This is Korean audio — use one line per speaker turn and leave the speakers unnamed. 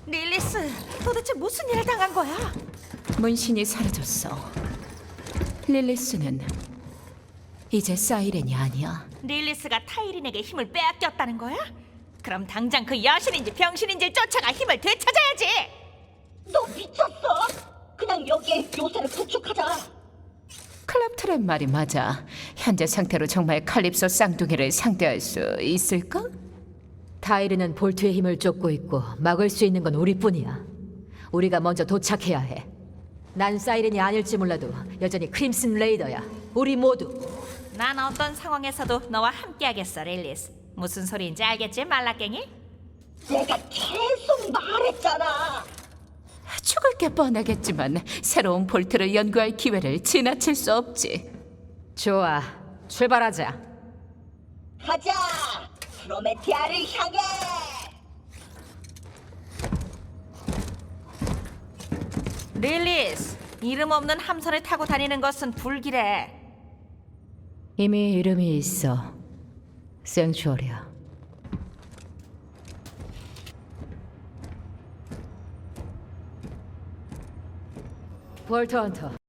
릴리스, 도대체 무슨 일을 당한 거야?
문신이 사라졌어. 릴리스는 이제 사이렌이 아니야.
릴리스가 타이린에게 힘을 빼앗겼다는 거야? 그럼 당장 그 여신인지 병신인지 쫓아가 힘을 되찾아야지.
너 미쳤어? 그냥 여기에 요새를 구축하자.
클럽트랩 말이 맞아. 현재 상태로 정말 칼립소 쌍둥이를 상대할 수 있을까?
타이르는 볼트의 힘을 쫓고 있고 막을 수 있는 건 우리뿐이야. 우리가 먼저 도착해야 해. 난 사이렌이 아닐지 몰라도 여전히 크림슨 레이더야. 우리 모두.
난 어떤 상황에서도 너와 함께하겠어, 릴리스. 무슨 소리인지 알겠지, 말라깽이?
내가 계속 말했잖아.
죽을 게 뻔하겠지만 새로운 볼트를 연구할 기회를 지나칠 수 없지.
좋아, 출발하자.
가자. 프로메티아를 향해.
릴리스, 이름 없는 함선을 타고 다니는 것은 불길해.
이미 이름이 있어. 생츄어리야. 볼트 헌터.